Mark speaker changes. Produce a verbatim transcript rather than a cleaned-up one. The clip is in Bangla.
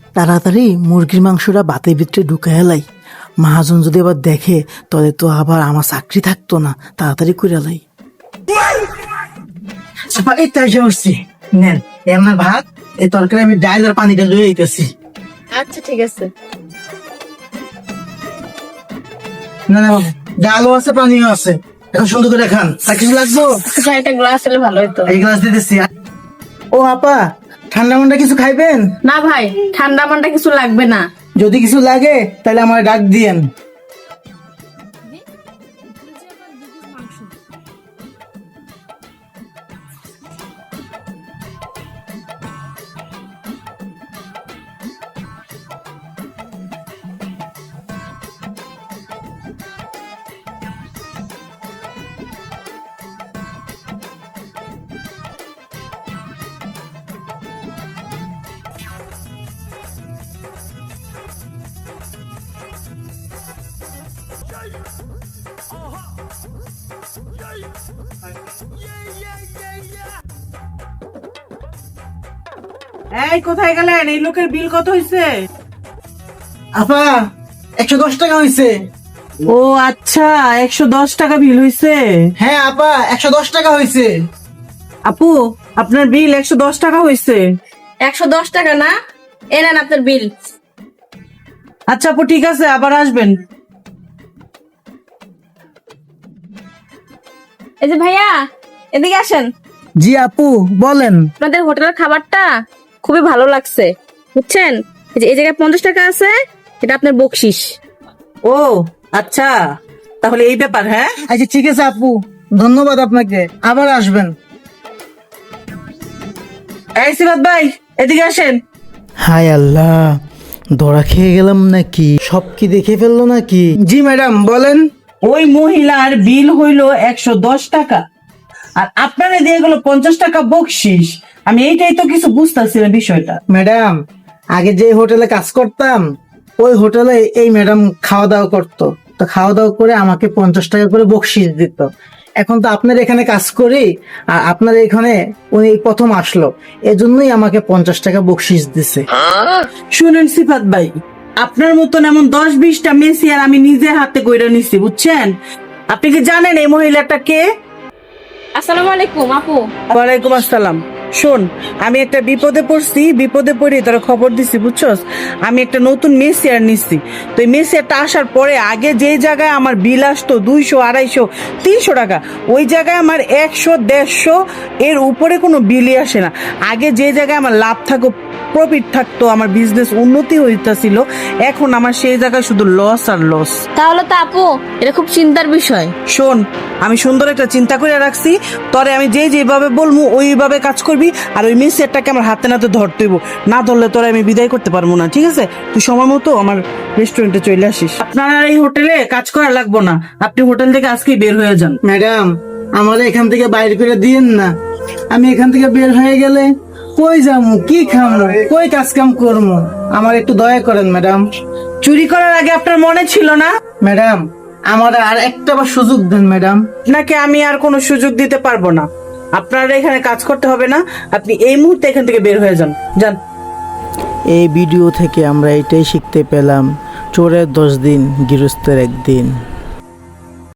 Speaker 1: তাড়াতাড়ি মুরগির মাংসটা ভাতের ভিতরে ঢুকে হেলাই। মহাজন যদি আবার দেখে তবে তো আবার আমার চাকরি থাকতো না। তাড়াতাড়ি করে লাই।
Speaker 2: এই তো এসে বসছি, নেন এই আমার ভাত, এই তরকারি আমি ডাল আর পানিটা লয়ে আইতেছি।
Speaker 3: আচ্ছা ঠিক আছে।
Speaker 2: না না বাবু, ডালও আছে পানিও আছে, এখন সুন্দর করে খান। আর কিছু লাগবো?
Speaker 3: আচ্ছা একটা গ্লাস হলে ভালো হতো।
Speaker 2: এই গ্লাস দিতেছি। ও আপা, ঠান্ডা মান্ডা কিছু খাইবেন?
Speaker 3: না ভাই, ঠান্ডা মান্ডা কিছু লাগবে না।
Speaker 2: যদি কিছু লাগে তাহলে আমার ডাক দিয়েন।
Speaker 4: এই কোথায় গেলেন? এই লোকের বিল কত হয়েছে?
Speaker 2: আপা, একশো দশ টাকা হয়েছে।
Speaker 4: ও আচ্ছা, একশো দশ টাকা বিল হয়েছে।
Speaker 2: হ্যাঁ আপা, একশো দশ টাকা হয়েছে।
Speaker 4: আপু, আপনার বিল একশো দশ টাকা হয়েছে।
Speaker 3: একশো দশ টাকা না, এ নেন আপনার বিল।
Speaker 4: আচ্ছা আপু, ঠিক আছে, আবার আসবেন।
Speaker 3: এই যে ভাইয়া, এদিকে আসেন।
Speaker 2: জি আপু বলেন।
Speaker 3: আপনাদের হোটেলের খাবারটা খুবই ভালো লাগছে, বুঝছেন? এই যে এই জায়গায় পঞ্চাশ টাকা আছে, এটা আপনার বকশিস।
Speaker 4: ও আচ্ছা, তাহলে এই ব্যাপার। হ্যাঁ
Speaker 2: আচ্ছা ঠিক আছে আপু, ধন্যবাদ আপনাকে, আবার আসবেন।
Speaker 4: এই সিরাত ভাই, এদিকে আসেন।
Speaker 1: হায় আল্লাহ, ধরা খেয়ে গেলাম নাকি? সব কি দেখে ফেললো নাকি?
Speaker 2: জি ম্যাডাম বলেন।
Speaker 4: ওই মহিলার বিল হইলো একশো দশ টাকা, আর আপনারা দিয়ে গেল পঞ্চাশ টাকা বকশিস। আমি এইটাই তো কিছু বুঝতেছি না বিষয়টা।
Speaker 2: ম্যাডাম, আগে যে হোটেলে কাজ করতাম ওই হোটেলে এই ম্যাডাম খাওয়া দাওয়া করতো, তো খাওয়া দাওয়া করে আমাকে পঞ্চাশ টাকা করে বকশিস দিত। এখন তো আপনার এখানে কাজ করি, আর আপনার এখানে উনি প্রথম আসলো, এজন্যই আমাকে পঞ্চাশ টাকা বকশিস দিছে।
Speaker 4: শুনেন সিফাত ভাই, আপনার মতন এমন দশ বিশটা মেসি আর আমি নিজের হাতে কইরা নিছি, বুঝছেন? আপনি কি জানেন এই মহিলাটা কে?
Speaker 3: আসসালামু আলাইকুম আপু।
Speaker 4: ওয়ালাইকুম আসসালাম। শোন, আমি একটা বিপদে পড়ছি, বিপদে পড়ে তোরা খবর দিছি, বুঝছস? আমি একটা নতুন মেসিয়ার নিচ্ছি। তো এই মেসিয়ারটা আসার পরে আগে যে জায়গায় আমার বিল আসতো দুইশো আড়াইশো তিনশো টাকা, ওই জায়গায় আমার একশো দেড়শো এর উপরে কোনো বিলই আসে না। আগে যে জায়গায় আমার লাভ থাকতো, প্রফিট থাকতো, আমার বিজনেস উন্নতি হইতাছিল, এখন আমার সেই জায়গায় শুধু লস আর লস।
Speaker 3: তাহলে তো আপু এটা খুব চিন্তার বিষয়।
Speaker 4: শোন, আমি সুন্দর একটা চিন্তা করে রাখছি, তরে আমি যে যেভাবে বলবো ওইভাবে কাজ করবি, আর ওই মেসিয়ারটাকে আমার হাতে নাতে ধরতে হইব, না ধরলে তোরা আমি বিদায় করতে পারবো না, ঠিক আছে? তুই সময় মতো আমার রেস্টুরেন্টে চলে আসিস। আপনার আর এই হোটেলে কাজ করা লাগবো না, আপনি হোটেল থেকে আজকেই বের হয়ে যান।
Speaker 2: ম্যাডাম, আমার এখান থেকে বাইরে করে দিয়েন না। আমি এখান থেকে বের হয়ে গেলে কই যাবো, কি খাবো, কই কাজ কাম করবো, আমার একটু দয়া করেন ম্যাডাম।
Speaker 4: চুরি করার আগে আপনার মনে ছিল না?
Speaker 2: ম্যাডাম, আমার আর একটা বার সুযোগ দেন ম্যাডাম।
Speaker 4: আপনাকে আমি আর কোনো সুযোগ দিতে পারবো না, আপনার এখানে কাজ করতে হবে না, আপনি এই মুহূর্তে এখান থেকে বের হয়ে যান, যান।
Speaker 1: এই ভিডিও থেকে আমরা এটাই শিখতে পেলাম, চোরের দশ দিন গৃহস্থের একদিন।